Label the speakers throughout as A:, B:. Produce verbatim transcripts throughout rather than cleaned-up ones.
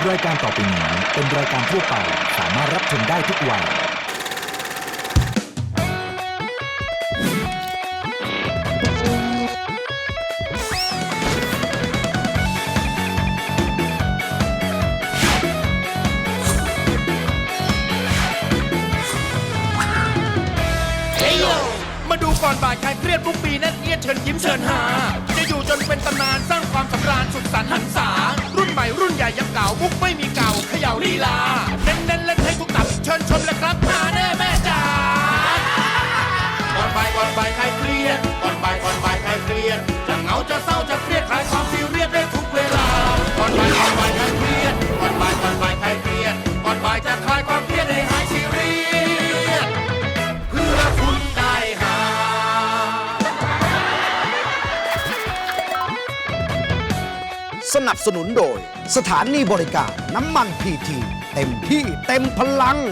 A: รายการต่อไปนี้เป็นรายการทั่วไปสามารถรับชมได้ทุกวัย
B: มาดูก่อนบ่ายใครเครียดทุกปีนั่นเอียดเชิญยิ้มเชิญหาจะอยู่จนเป็นตำนานสร้างความสำราญสุขสันต์หันษารุ่นใหม่รุ่นใหญ่ยังเก่ามุกไม่มีเก่าเขย่าลีลาเน้นเน้นเล่นให้ทุกตับเชิญชมเลยครับมาแน่แม่จ๋าก่อนบ่ายก่อนบ่ายใครเครียดก่อนบ่ายก่อนบ่ายใครเครียดจะเหงาจะเศร้าจะเครียดคลายความซีเรียสได้ทุกเวลาก่อนบ่ายก่อนบ่ายใครเครียดก่อนบ่ายก่อนบ่ายใครเครียดก่อนบ่ายจะคลายความเครียดให้หายซีเรียสเพื่อคุณได้หา
C: สนับสนุนโดยสถานีบริการน้ำมันพีทีเต็มที่เต็มพลัง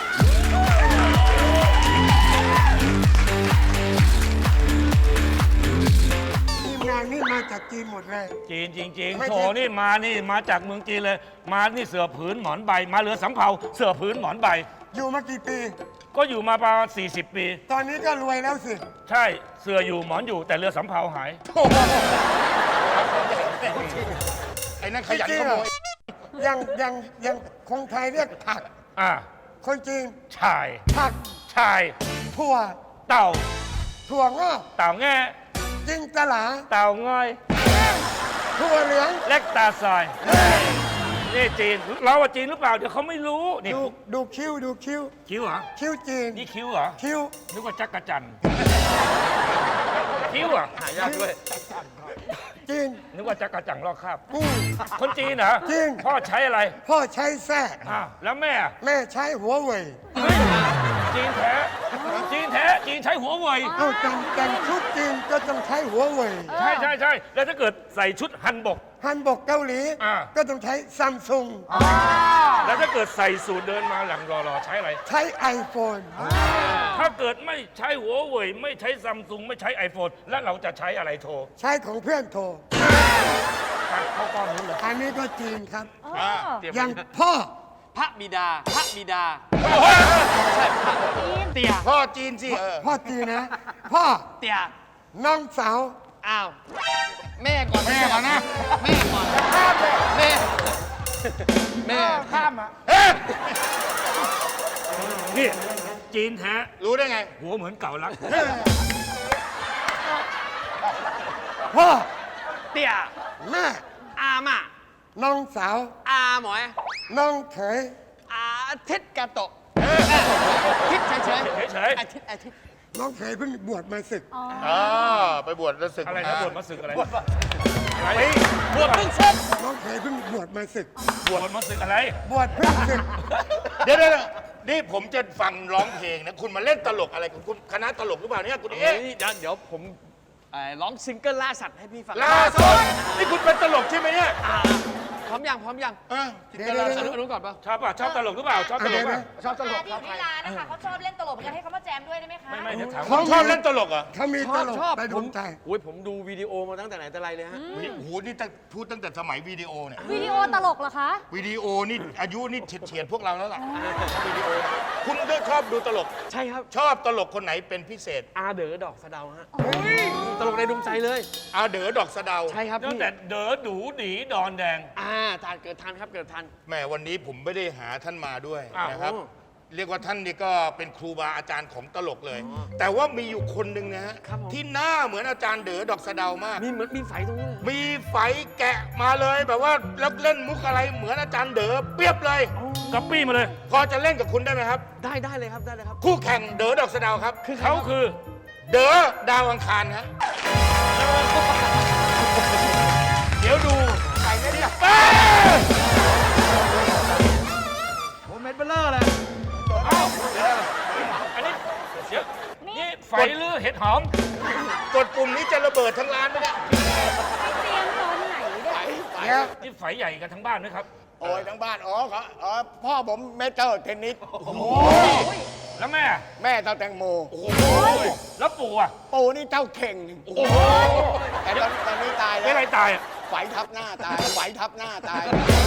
D: ทีมงานนี่มาจากจีนหมดเลย
E: จีนจริง
D: ไม่
E: ๆ
D: ใช่
E: โถนี่มานี่มาจากเมืองจีนเลย มานี่เสือผืนหมอนใบ มาเรือสำเภาเสือผืนหมอนใบ
D: อยู่มากี่ปี
E: ก็อยู่มาประมาณสี่สิบปี
D: ตอนนี้ก็รวยแล้วสิ
E: ใช่เสืออยู่หมอนอยู่แต่เรือสำเภาหาย
B: ไอ้นั่นขยันขโมย
D: ยังยังยังคนไทยเรียกผัก
E: อ่า
D: คนจีน
E: ชาย
D: ผัก
E: ชาย
D: ถั่ว
E: เต่า
D: ถั่วงอก
E: เต่าแง่
D: จิงตลา
E: เต่าง่อย
D: ถั่วเหลือง
E: เล็กตาซอยนี่จีนเราว่าจีนหรือเปล่าเดี๋ยวเขาไม่รู้นี่
D: ดูดูคิ้วดูคิ้ว
E: คิ้วเหรอ
D: คิ้วจีน
E: นี่คิ้วเหรอ
D: คิ้ว
E: นึกว่าจักรจันทร์คิ้วเหรอหายากด้วย
D: จีน
E: นึกว่าจักรจันทร์ลอกคราบ
D: อืม
E: คนจีนเหรอ
D: จีน
E: พ่อใช้อะไร
D: พ่อใช้แส้
E: อ้าวแล้วแม่อะ
D: แม่ใช้หัวเว่ย
E: เฮ้ยจีนแท้จีนแท้จีนใช้หัวเว่ย
D: เอ้าแต่งแต่งชุดจีนก็ต้องใช้หัวเว่ย
E: ใช่ใช่ใช่แล้วถ้าเกิดใส่ชุดฮันบก
D: ฮันบกเกาหลี
E: อ่า
D: ก็ต้องใช้ซัมซุง
E: แล้วถ้าเกิดใส่สูทเดินมาหลังรอๆใช้อะไร
D: ใช้ไอโฟน
E: ถ้าเกิดไม่ใช้หัวเว่ยไม่ใช้ซัมซุงไม่ใช้ iPhone แล้วเราจะใช้อะไรโทร
D: ใช้ของเพื่อนโทร
E: ไปเข้าก้อนนู้นเลย
D: อันนี้ก็จีนครับ
E: เตรียม
D: อย่างพ่อ
F: พระบิดา พระบิดา
B: เตี่ยพ่อจีนสิเออ
D: พ่อจีนนะ พ่อ
F: เตีย
D: น้องสาว
F: อ้าว แม่ก่อน
B: แม่ก่อนนะ
F: แม่ก่อนแม่ แม่
D: ข้ามอ่ะ
E: นี่จีนแท้
B: รู้ได้ไง
E: หัวเหมือนเก่ารัก
D: พ่อ
F: เตีย
D: แม่
F: อามา
D: น้องสาว
F: อาหมอย
D: น้องเขย
F: อาทิตย์กาโตะทิศเฉยเฉย
E: เฉย
F: อาทิตย์อาทิตย์
D: น้องเขยเพิ่งบวชมาศึก
B: อ๋อ ไปบวชแล้วศึก
E: ๆอะไรนะบวชมาศึกอะไรอะไร
F: บวชเพิ่งเสร็จ
D: น้องเขยเพิ่งบวชมาศึก
E: บวชมาศึกอะไร
D: บวชเพิ่งศึก
B: เดี๋ยวเดี๋ยวนี่ผมจะฟังร้องเพลงนะ คุณมาเล่นตลกอะไรของคุณคณะตลกหรือเปล่าเนี่ยคุณ
F: เอ้
B: เอ๊ะ
F: ยเดี๋ยวเดี๋ยวผมเอ่อร้องซิงเกิลล่าสัตว์ให้พี่ฟัง
B: ล่าสุดนี่คุณเป็นตลกใช่ไหมเนี่ย
F: อ่าพร้อมยังพร้อมยัง
B: เออจิต
D: เดี๋ยว
B: ล่า
D: เดี๋ยว
B: สุด
F: อนุก่อนป่ะ
E: ชอบป่ะชอบตลกหรือเปล่าชอบตลกป่ะ
D: ชอบตลก
G: ที่อยู่ที่ร้านนะคะเขาชอบเล่นตลกเหมือนกันให้เขามาแจมด้วยได้ไหมคะ
E: ไม่ไม่เดี๋ยวถาม
B: คุณชอบเล่นตลกเหรอ
D: เขามี
F: ช
D: ต
F: อบ
D: ลก
F: ชอบ
D: ไป
F: ผ
D: ดู
F: ม
D: ใจ
F: โอ้ยผมดูวิดีโอมาตั้งแต่ไหนแต่ไรเลยฮะ
B: โอ้โหนี่ตั้งพูดตั้งแต่สมัยวิดีโอเนี่ย
G: วิดีโอตลกเหรอคะ
B: วิดีโอนี่อายุนี่เฉียดๆพวกเราแล้วล่ะวิดีโอคุณก็ชอบดูตลก
F: ใช่ครับ
B: ชอบตลกคนไหนเป็นพิเศษ
F: อาเด๋อดอกสะเดาฮะตลกในดวงใจเลย
B: อาเด๋อดอกสะเดา
F: ใช่ครับ
E: ตั้ง
F: พี่
E: แต่เด๋อดูดีดอนแดง
F: อ่าทานเกิดทันครับเกิดทัน
B: แหมวันนี้ผมไม่ได้หาท่านมาด้วย
E: อ้าว
B: นะครับ
F: โอ้
B: เรียกว่าท่านนี่ก็เป็นครูบาอาจารย์ของตลกเลย แต่ว่ามีอยู่คนหนึ่งนะฮะ
F: ครับผม
B: ที่หน้าเหมือนอาจารย์เด๋อดอกสะเดามาก
F: มีเหมือนมีไฟตรงนี้เลย
B: มีไฝแกะมาเลยแบบว่าแล้วเล่นมุกอะไรเหมือนอาจารย์เด๋อเปรียบเลย
E: ก๊อปปี้มาเลย
B: พอจะเล่นกับคุณได้ไหมครับ
F: ได้ได้เลยครับได้เลยครับ
B: คู่แข่งเด๋อดอกสะเดาครับ
F: คือ
E: เขาคือ
B: เด๋อดาวอังคารฮะเดี๋ยวดูใส่ไม่ได้
F: ผมเม็ดเบลเลอร์เลย
E: อันนี้เดี๋ยวนี่ไฟหรือเห็ดหอม
B: กดปุ่มนี้จะระเบิดทั้งร้านไหมเนี่ย
G: เตรียมตอนไหนเนี่ย
D: เดี๋ยว
E: นี่ไฟใหญ่กันทั้งบ้านนะครับ
H: โอ้ยทั้งบ้าน อ๋อเขาอ๋อพ่อผมเมเจอร์เทนนิส
E: แล้วแม่
H: แม่เจ้าแตงโม
E: แล้วปู่อ่ะ
H: ปู่นี่เจ้าเข่ง
E: โอ้โห
H: แต่ตอนตอนนี้ตาย
E: เป็น
H: แล้ว
E: อะไรตายอ่ะ
H: ไหวทับหน้าตายไหวทับหน้าตาย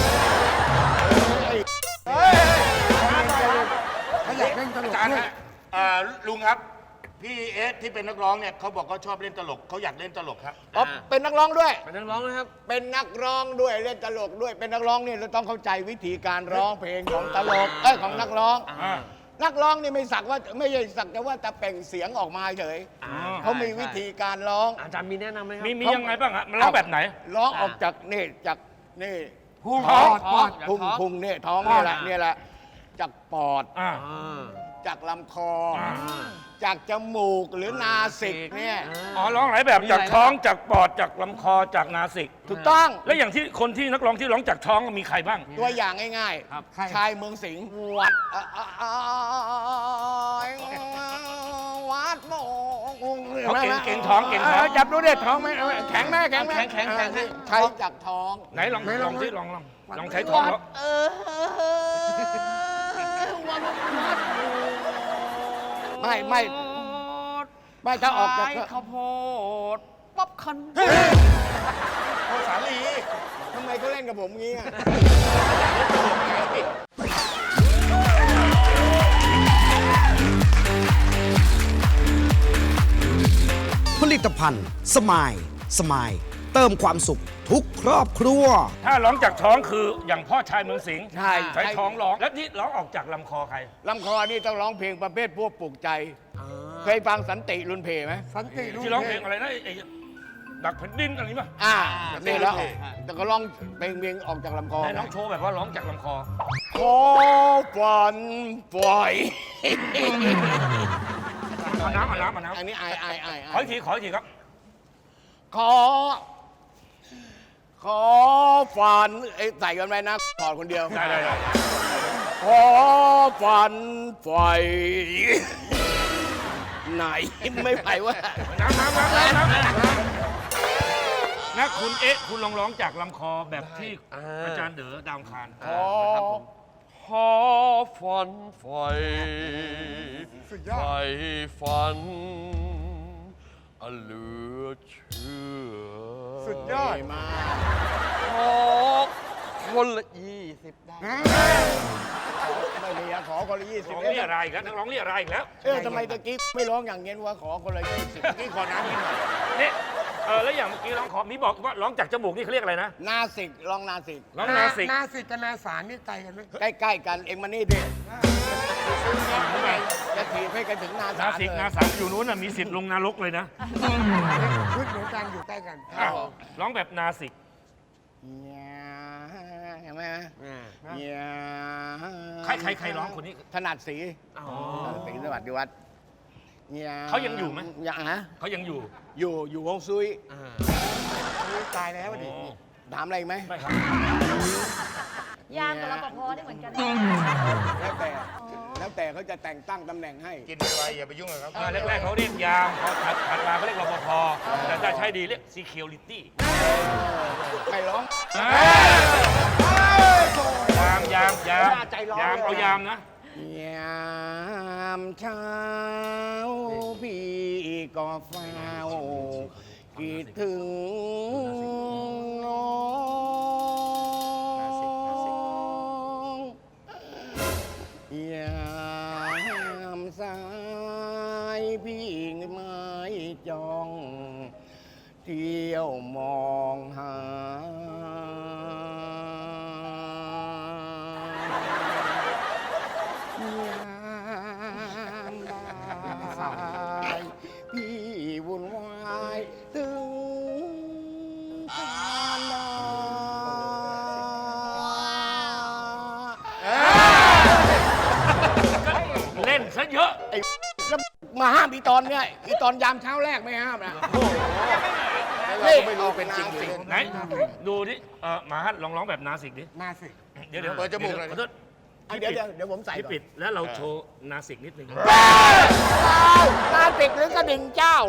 D: เขาอยากเล่นตล
B: อาก จารย์
D: ด้วย
B: ฮะเอ่อลุงครับ พี่เอสที่เป็นนักร้องเนี่ยเขาบอกเขาชอบเล่นตลกเขาอยากเล่นตลกครับ
H: อ๋อเป็นนักร้องด้วย
F: เป็นนักร้องนะครับ
H: เป็นนักร้องด้วยเล่นตลกด้วย เป็นนักร้องเนี่ยเราต้องเข้าใจวิธีการร้องเพลงของตลกเอ้ยของนักร้อง
E: อ่า
H: นักร้องนี่ไม่สักว่าไม่ใช่สักแต่ว่าแต่เปล่งเสียงออกมาเฉย
E: อ๋อ
H: เขามีวิธีการร้อง
F: อาจารย์มีแนะนำไหมครับ
E: มีมียังไงบ้างฮะมันร้องแบบไหน
H: ร้องออกจากนี่จากนี่
D: พุ่ง
H: ท้อง
D: ปอด
H: พุงพุงเนี่ยท้องนี่แหละเนี่ยแหละจากปอด
E: อ่า
F: อ่า
H: จากลำคออา จากจมูกหรือนาสิกเนี่ย
E: อ๋อร้องหลายแบบจากท้องจากปอดจากลำคอจากนาสิก
H: ถูกต้อง
E: แล้วอย่างที่คนที่นักร้องที่ร้องจากท้องมีใครบ้าง
H: ตัวอย่างง่าย
F: ครับ
H: ๆชายเมืองสิงห์วัดอ่ะอ่ะอ่ะวัดโมง
E: เขาเก่งเก่งท้องเก่งท้อง
H: จับดูเด็ดท้องไหมเอาแข็งไหมแข็งไหม
F: แข็งแข็งแข็ง
H: ใช้จากท้อง
E: ไหนลองลองที่ลองลองลองใช้ท้องแล้ว
F: เออวันวัด
H: ไม่ไม่ไม่ถ้าออกจาก
F: ขายข้าวโพดป๊อปคอร์น
H: โอสาลีทำไมเขาเล่นกับผมงี้อ่ะ
C: ผลิตภัณฑ์สมายสมายเติมความสุขทุกครอบครัว
E: ถ้าร้องจากท้องคืออย่างพ่อชายเมืองสิงห์
H: ใช่
E: ใช้ท้องร้องแล้วที่ร้องออกจากลำคอใคร
H: ลำคอนี่ต้องร้องเพลงประเภทพวกปลุกใจ เคยฟังสันติรุนเพไหม
D: สันติ
E: ที่ร้องเพลงอะไรนะไอ้ไอ้ดักแผ่นดินอะไรนี่ป่ะ
H: อ่านี่แล้วแต่ก็ร้องเพลงเพลงออกจากลำคอ
E: ไหนน้องโชว์แบบว่าร้องจากลำคอ
H: ขอฝันปล่อย
E: เอาน้ำเอาน้ำเอาน้
H: อันนี้ไอไอไอไอ
E: ำขออีกทีขออีกทีครับ
H: ขอ ขอฝันเอ้ยใส่กันไปนะถอดคนเดียว
E: ได้ได้ได้
H: ขอฝันไฟไหนไม่ไหววะ
E: น้ำน้ำน้ำน้ำน้ำนะคุณเอ๊ะคุณลองร้องจากลำคอแบบที่อาจารย์เด๋อดาวอังคาร
H: ขอ
F: ขอฝันไฟ
D: สุดย
F: ไฟ
D: อด
F: ฝันอันเหลือเชื่อ
D: สุดยอด
H: มา
F: ขอคนละยี่สิบได้
H: ไม่มีอะขอคนละยี่สิบ
E: ร้องเรียอะไรอีกแล้วนักร้องเรียอะไรอีกแล้ว
H: เออทำไมตะกี้ไม่ร้องอย่างเงี้ยว่าขอคนละยี่สิบ
B: นี่ขอน้ำกินหน่อย
E: นี่เออแล้วอย่างเมื่อกี้ร้องขอมีบอกว่าร้องจากจมูกนี่เขาเรียกอะไรนะ
H: นาสิกร้องนาสิก
E: ร้องนาสิก
D: นาสิกกับนาสารนี่ไกลกันไหม
H: ใกล้ๆกันเองมานี่ดิจะถีบให้กันถึงนาสา
E: นาสิก
H: เลย
E: นาสามอยู่นู้นน่ะมีสิทธิ์ลงนรกเลยนะ
D: ชุดเหมือนกันอยู่ใกล้กัน
E: อ้าวร้องแบบนาสิก
H: เนี่ยเห็นไหมเนี่ย
E: ใครใครใครร้องคนนี้
H: ถนัดสีถนัดสีสวัสดีวัดเนี่ย
E: เขายังอยู่ไหม
H: ยังฮะ
E: เขายังอยู่
H: อยู่อยู่วงซุย
D: ตายแล้วดิ
H: ถามอะไรอีกไหม
E: ไม่ครับ
G: ยามกับรปภได้เหมือนกัน
H: แล้วแต่แล้วแต่เขาจะแต่งตั้งตำแหน่งให้
B: กินไวๆอย่าไปยุ่งกับเขา
E: เออแรกๆเขาเรียกยามพอถัดถัดมาเขาเรียกรปภแต่ถ้าใช้ดีเรียก security
H: ไม่ร้อง
E: ยามยามยามยามเอายามนะ
H: ยามเช้าพี่ก็เฝ้าคิดถึงน้องยามสายพี่ไม่จ้อง เที่ยวมองหายามบ่ายพี่วุ่นวายถึงการดา
E: เล่นซะเยอะ
H: ไอ้แล้วมาห้ามอีตอนเนี่ยอีตอนยามเช้าแรกไม่ห้ามนะเราก็ไม่รู้เป็นจริงหรือเล่น
E: ไหนดูดิเออมาฮัทลองร้องแบบนาสิกดิ
D: นาสิก
E: เดี๋ยวเดี๋ยว
B: เปิดจมูกหน่อย
E: ขอโทษ
H: อ่ะเดี๋ยวเดี๋ยวเดี๋ยวผมใส่
E: พี่
H: ก่อน
E: ปิดแล้วเราโชว์นาสิกนิดนึง
H: นาสิกหรือกระดิ่งเจ้า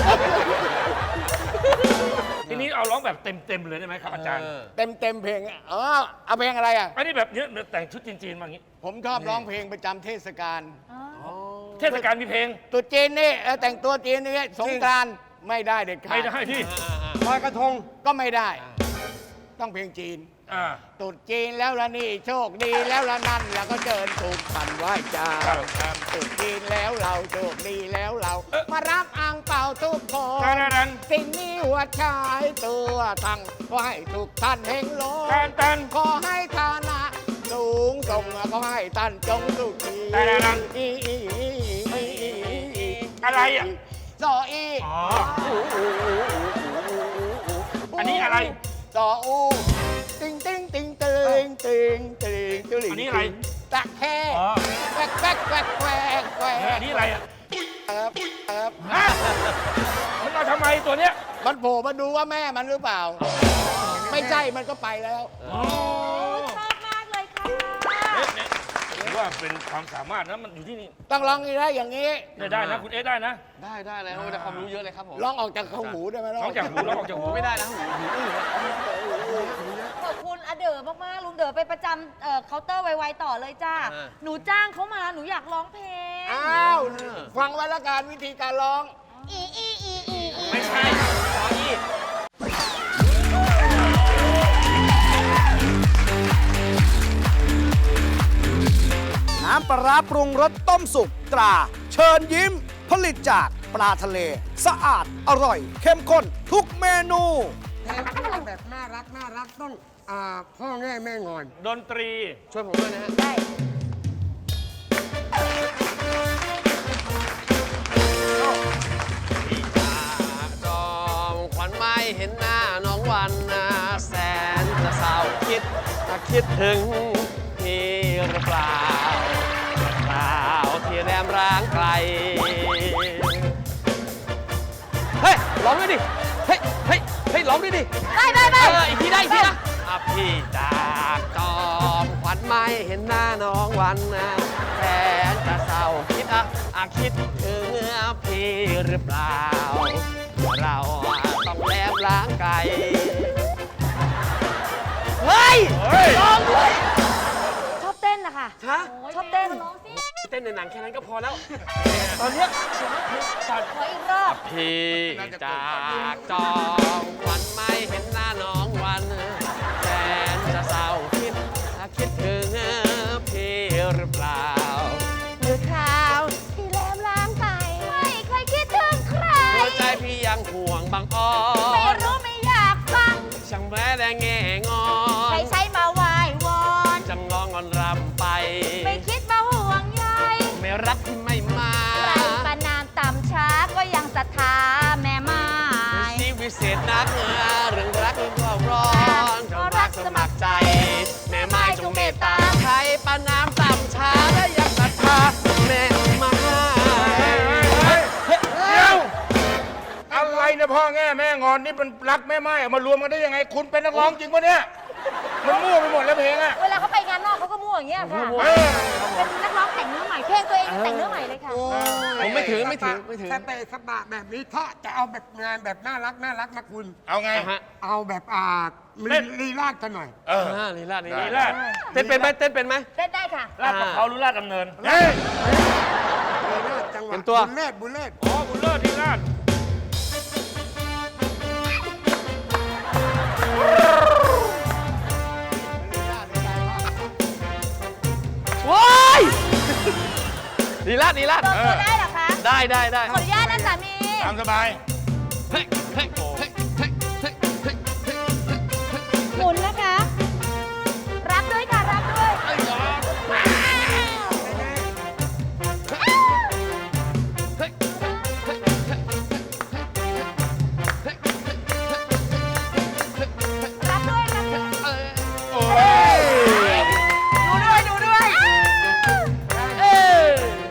E: ทีนี้เอาร้องแบบเต็มๆเลยได้ไหมครับอาจารย์
H: เต็มเต็มเพลงอ่ะเออเอาเพลงอะไรอ่ะ
E: อันนี้แบบเนี้ยแต่งชุดจีนๆมาอย่างนี้
H: ผมชอบร้องเพลงประจำเทศกาล
E: เทศกาลมีเพลง
H: ตรุ๊จีนนี่เออแต่งตัวจีนนี่สงกรานต์ไม่ได้เด็ดขาด
E: ไม่ได้ที่
D: ลอยกระทง
H: ก็ไม่ได้ต้องเพลงจีน
E: อ่า
H: ตรุษจีนแล้วละนี่โชคดีแล้วละนั่นแล้วก็เดินถูกขันไหว้เจ้า
E: ครับครับ
H: ตรุษจีนแล้วเราโชคดีแล้วเรา มารับอ่างเป่าทุกคน
E: ตันตัน
H: สิ่งนี้หัวชายตัวทั้งขอให้ทุกท่านเฮงโล
E: ตันตัน
H: ขอให้ฐานะสูงส่งขอให้ท่านจงสุขี
E: ตันตัน
H: อีอีอีอีอี
E: อะไรอ่ะ
H: ซออี
E: อ๋อ อันนี้อะไร
H: ซออูติงติงติงติงติงติงติง
E: อันนี้อะไร
H: ตะแค
E: อ๋อ
H: แควกแควกแควกแควกแคว
E: เฮ้ย
H: ก
E: อันนี้อะไรอ่ะ
H: ครับครับ
E: ฮะมันเอาทำไมตัวเนี้ย
H: มันโผล่มาดูว่าแม่มันหรือเปล่า ไม่ใช่มันก็ไปแล้ว
E: อ๋อ
G: ชอบมากเลยค่ะ
E: เอ๊ะเนี่ยถือว่าเป็นความสามารถนะมันอยู่ที่นี่
H: ต้องร้องได้อย่างนี้
E: ได้ได้นะคุณเอ๊ะได้นะ
F: ได้ได้เลยครับได้ความรู้เยอะเลยครับผม
H: ร้องออกจากข้างหูได้ไหม
E: น้องจากหูน้องออกจากหู
F: ไม่ได้นะหูหูอื้อ
G: ขอบคุณอาเด๋อมากๆ ลุงเด๋อไปประจำเอ่อเคาน์เตอร์ไวๆต่อเลยจ้า หนูจ้างเขามา หนูอยากร้องเพลง
H: อ้าวฟังไว้ละกันวิธีการร้อง
G: อีอีอีอีอี
E: ไม่ใช่ซออี้
C: น้ำปลาร้าปรุงรสต้มสุกตรา เชิญยิ้ม ผลิตจากปลาทะเล สะอาดอร่อย เข้มข้นทุกเมนู
D: เพลงแบบน่ารักน่ารักต้องอ่าพ่อแง่แม่งอน
E: ดนตรี
F: ช่วยผมด้วยนะฮะ
G: ได้
F: จอมขวัญไม่เห็นหน้าน้องวันนะแสนจะเศร้าคิดคิดถึงพี่หรือเปล่าเปล่าที่แรมร้างไกล เฮ้ยร้องด้วยดิ เฮ้ย เฮ้ย เฮ้ยร้องด้วยดิ
G: ได้ได้ได้
F: เอออีกทีได้อีกทีนะอ่ะพี่จากจอมขวัญไม่เห็นหน้าน้องวันนะแสนจะเศร้าคิดอ่ะอ่ะคิดถึงพี่หรือเปล่า เราต้องแลบล้างไก่ เฮ้ย
E: เฮ้ย
F: ร้องด้วย
G: ชอบเต้นนะคะ
F: ฮะ
G: ชอบเต้น
F: เต้นในหนังแค่นั้นก็พอแล้ว ตอนเนี้ย
G: ขออีกรอบ
F: พี่จากจอมขวัญไม่เห็นหน้าน้องวันแสนจะเศร้าคิดคิดถึงพี่หรือเปล่า
G: หรือคราวที่แลมล้างไป ไม่เคยคิดถึงใคร
F: หัวใจพี่ยังห่วงบางอ้อ
G: ไม่
F: น
G: รู้ไม่อยากฟัง
F: ช่างแม้แต่แง่งอ
G: ใคร
F: น
G: ใช้มาไหว้วอน
F: จำงองอนรำไป
G: ไม่คิดมาห่วงใย
F: ไม่รักที่ไม่มา
G: ไรประนามต่ำช้าก็ยังศรัทธาแม่ไม้
F: ชีวิตเศษนักเเรื่องรักเรื่องความร้อนจงรักสมัครใจ แม่ไม้จงเมตตาใครประนามต่ำช้าและยังศรัทธาแม่ไม้
E: เดี๋ยว อะไรนะพ่อแง่แม่งอนนี่มันรักแม่ไม้เอามารวมกันได้ยังไง คุณเป็นนักร้องจริงปะเนี่ย มันมั่วไปหมดแล้วเพลงอะ
G: เวลาเขาไปงานนอกเขาก็มั่วอย่างเงี้ยค่ะ
E: เออ
G: เป็นนักร้องแต่งเนื้อใหม่ เพลงตัวเองยังแต่งเนื้อใหม่เลยค่ะ
F: ผมไม่ถึงไม่ถึงไม่ถึง
D: สเปะสปะแบบนี้ถ้าจะเอาแบบงานแบบน่ารักน่ารักนะคุณ
E: เอาไง
F: ฮะ
D: เอาแบบอ่า
E: เต้น
D: ลีลาดกันหน่อย
E: เออ
F: อ่าลีลาดลี
E: ลี
F: ลา
E: ลา
F: ด
E: ด
F: เต้นเป็นไหมเต้นเป็นไหม
G: เต้นได้ค่ะ
E: ลาดกับเขาหรือลาดดำเนิน
D: เฮ้ยลีลาดจังหวะ
F: เตรียมตัว
D: บุญเล่บุญเล่
E: อ๋อบุญเลิศลีลาด
F: ว้ายลีลาดลีลาด
G: โดนตัวได้เหรอคะ
F: ได้ได้ได้
G: ขออนุญาตนะสามี
E: ตามสบาย
F: เฮ้ยเฮ้ยเฮ้ยเฮ้ยเฮ้ยเฮ้ยเฮ้ย
G: หมุนนะคะ รับด้วยค่ะ รับด้วย
F: เอ้ยเหรอเฮ้ยเฮ้ยเฮ้ย
G: รับด้วยรับด้วย
F: เอ้ย
E: โอ้ย
G: ดูด้วย ดูด้วย
F: เอ้ย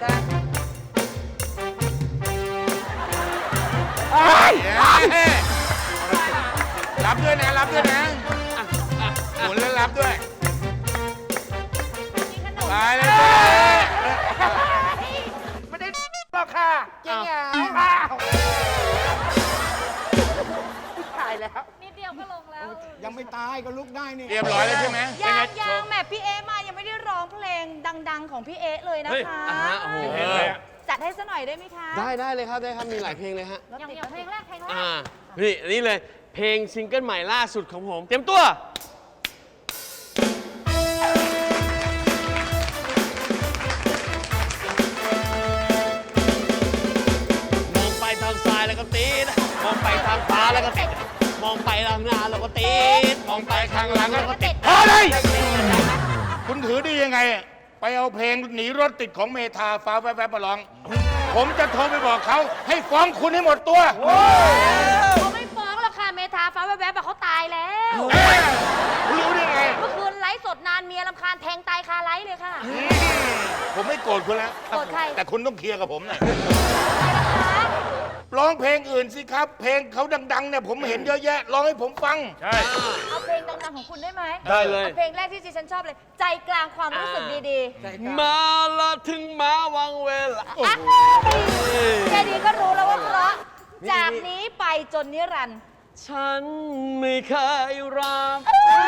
E: รับด้วยนะ รับด้วยนะหมุนแล้วรับด้วย
G: มีขนม
E: ตายเลยไม่ได้หรอกค่ะ
G: จริงเหรอ
E: อ้าว
G: ตายแล้ว นิดเดียวก็ลงแล้ว
H: ยังไม่ตายก็ลุกได้นี่
E: เรียบร้อยแล้วใช่ไหม
G: ยังยังแหม่พี่เอ๊มายังไม่ได้ร้องเพลงดัง ๆ ของพี่เอ๊เลยนะ
E: เฮ้ย
G: คะ
F: อ่ะฮะโอ้โห
E: เพลงอะไรอะ
G: จัดให้ซะหน่อยได้ไหมคะ
F: ได้ได้เลยครับได้ครับมีหลายเพลงเลยฮะ
G: อย่างอย่างเพลงแรกเพลงแรก
F: อ่านี่นี่เลยเพลงซิงเกิลใหม่ล่าสุดของผม เตรียมตัวก็ติด มองไปข้างหน้าเราก็ติด มองไปข้างหลังเราก็ติด
E: พอเลย คุณถือดียังไง ไปเอาเพลงหนีรถติดของเมทาฟ้าแวบๆมาร้อง ผมจะโทรไปบอกเขาให้ฟ้องคุณให้หมดตัว
G: เขาไม่ฟ้องหรอกค่ะเมทาฟ้าแวบๆอะเขาตายแล้ว
E: เอ้ยรู้ได้ไง
G: เมื่อคืนไลฟ์สดนานเมียรำคาญแทงตายคาไลฟ์เลยค่ะ
E: ผมไม่โกรธคุณแล้ว
G: โกรธใคร
E: แต่คุณต้องเคลียร์กับผมหน่อยร้องเพลงอื่นสิครับ เพลงเขาดังๆเนี่ยผมเห็นเยอะแยะร้องให้ผมฟัง ใช่
G: เอาเพลงดังๆของคุณได้ไหม
F: ได้เลย
G: เอาเพลงแรกที่ดิฉันชอบเลย ใจกลางความรู้สึกดี
F: มาละถึงมาวังเวลา
G: ๆอ่ะแค่นี้ก็รู้แล้วว่าเพราะจากนี้ไปจนนิรันดร์
F: ฉันไม่เคยรัก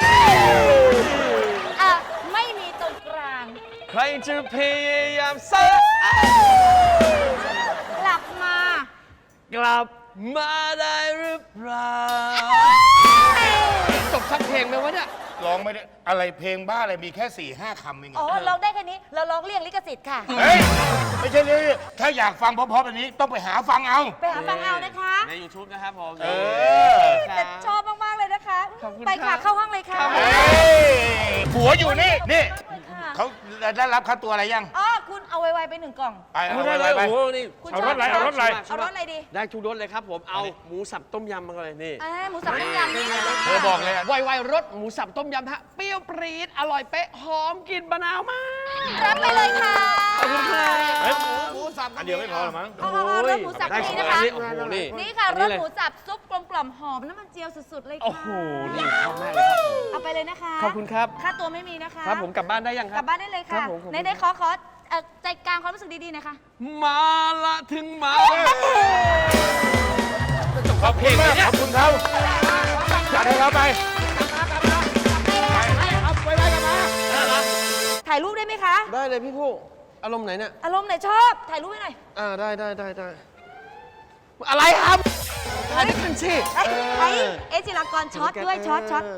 G: อ่ะไม่มีตรงกลาง
F: ใครจะพยายามสัก
G: กลับมา
F: กลับมาได้หรือเปล่า
H: จบทั้งเพลงไหมวะเนี่ย
E: ร้องไม่ได้อะไรเพลงบ้าอะไรมีแค่สี่ห้าคำเอง
G: อ๋อ
E: อะ
G: ร้องได้แค่นี้ เราร้องเรียกลิขสิทธิ์ค่ะ
E: เฮ้ย ไม่ใช่เลยถ้าอยากฟังเพราะๆแบบนี้ต้องไปหาฟังเอา
G: ไปหาฟังเอานะคะ
F: ใน YouTube นะครับผม
E: เออ
G: แต่ชอบมาก ๆ เลยนะคะ
F: ขอบคุณ
G: ไป
F: ครั
G: ค่ะ
F: บ
G: เข้าห้องเลยค่ะ
E: เฮ้ยผัวอยู่นี่ นี่
G: ค่ะ
E: เขาได้รับค่าตัวอะไรยัง
G: อ๋อ คุณเอาไว ๆ ไปหนึ่งกล่อง
E: ไป
F: เอา
E: เอา
F: ได้
E: ไป
F: เลย
E: ไป
F: โอ้โหนี่
G: คุณ
E: เอา
G: ช
E: ร
G: อบ
E: ถอะไรเอารถอะไร
G: เอารสอะไรดี
F: ได้ทุกรสเลยครับผม เอาหมูสับต้มยำมาเลยนี่
G: อ่าหมูสับต้มยำนี่เลย
E: เธอบอกเลยอะ
H: ไวๆรสหมูสับต้มยำฮะ เปรี้ยวปรี๊ดอร่อยเป๊ะ หอมกลิ่นมะนาวมาก
G: รับไปเลยค่ะ
F: ขอบคุณค่ะ
E: เฮ้ย
H: หมูสับ
E: อันเดียวไม่พอหรอมั้ง
G: เอาเอาเอารสหมูสับ
F: ได้
G: นี่
F: ข
G: นะ
F: อง
G: คะ
F: อันนี้โอ้โหนี่
G: นี่ค่ะ
F: อัน
G: ร
F: นี้
G: ส
F: เลย
G: หมูสับซุปกลมกล่อมหอมน้ำมันเจียวสุด ๆ เลยค่ะ
F: โอ้โห นี่ชอบมากเลยครับผม
G: เอาไปเลยนะคะ
F: ขอบคุณครับ
G: ค่าตัวไม่มีนะคะ
F: ครับผมกลับบ้านได้ยังค
G: ก
F: รั
G: ลั
F: บ
G: บบ้านได้เลย
F: ครั
G: ค่ะ
F: บผมขอบคุณ
G: ในในๆขอขอเอ่อใจกลางความรู้สึกดี ๆ หนะคะ
F: มาละถึงมา
E: ขอบคุณมากขอบคุณเขาจัดให้เขาไป
G: ถ่ายรูปได้ไหมคะ
F: ได้เลยพี่ผู้อารมณ์ไหนเนี่ย
G: อารมณ์ไหนชอบ ถ่ายรูปให้หน่อย
F: อ่าได้ได้ได้ได้อะไรครับถ่ายด้วยกันสิ
G: เอ้ยไอ้เอจิรากรช็อตด้วยช็อตช็อต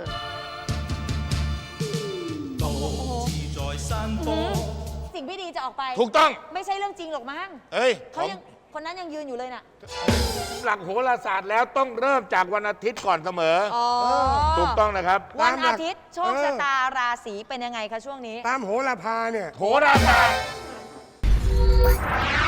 G: สิ่งไม่ดีจะออกไป
E: ถูกต้อง
G: ไม่ใช่เรื่องจริงหรอกมั้ง
E: เอ้ย
G: เขายังคนนั้นยังยืนอยู่เลยน่ะ
E: หลักโหราศาสตร์แล้วต้องเริ่มจากวันอาทิตย์ก่อนเสมอ
G: อ๋อ
E: ถูกต้องนะครับ
G: วันอาทิตย์โชค
D: เออ
G: ชะตาราศีเป็นยังไงคะช่วงนี้
D: ตามโหราพาเนี่ย
E: โหราศาสตร์